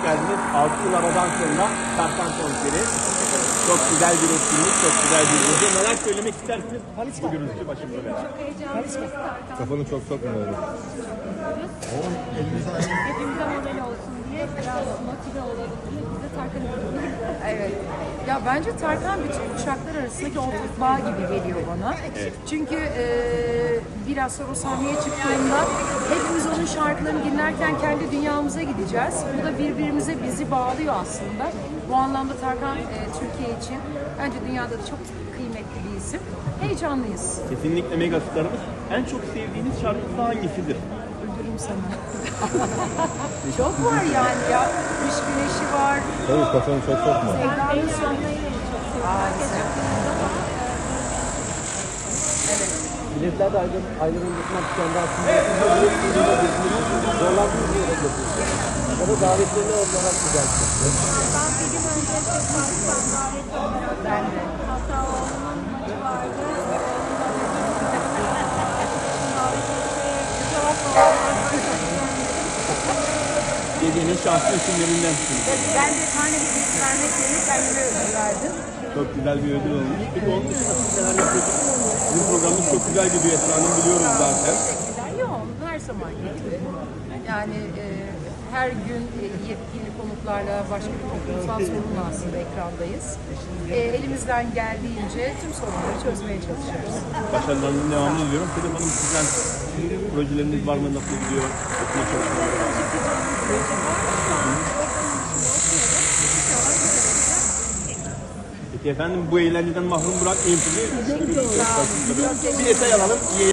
geldiniz. 6 yıl aradan sonra Tarkan konseri. Çok güzel bir etkinlik, çok güzel bir gece. Neler söylemek istersiniz? Bu gürültü başımda benim. Çok heyecanlıyız. Kafanı çok sokmuyorum. Hepimize model olsun diye biraz motive olalım diye biz de Tarkan'ı bulduk. Evet. Ya bence Tarkan bütün kuşaklar arasındaki ortak bağ gibi geliyor bana. Çünkü biraz sonra o sahneye çıktığında hepimiz onun şarkılarını dinlerken kendi dünyamıza gideceğiz. Bu da birbirimize bizi bağlıyor aslında. Bu anlamda Tarkan Türkiye için bence dünyada da çok kıymetli bir isim. Heyecanlıyız. Kesinlikle mega starımız. En çok sevdiğiniz şarkısı hangisidir? Öldürürüm sana. Çok var yani ya. Kış güneşi var. Tabii kafanı çok sokma. Sevdanın sonu. Biletler de ayrılmasından tükendi aslında. Zorlandığınız bir yere götürdü. Ya da davetlerini olarak güzel. Ben bir gün önce Facebook'tan davet olarak Ben de. hatta oğlumun maçı vardı. Cevap Gecenin şanslı isimlerindensiniz. Ben de tane bir bilgi vermek yerine kendime ödül verdim. Çok güzel bir ödül olmuş. Peki onun dışında siz neler yapıyorsunuz? Bizim programımız çok güzel gidiyor Esra Hanım, biliyoruz zaten. Yok, her zaman gibi. Yani her gün yepyeni konuklarla başka bir toplumsal sorunla aslında ekrandayız. Elimizden geldiğince tüm sorunları çözmeye çalışıyoruz. Başarılarının devamını diliyorum. Sedef Hanım, sizden projeleriniz var mı? Nasıl gidiyor? Okuma çalışmaları var. Peki efendim, bu eğlenceden mahrum bırakmayın sizi. Bir detay alalım.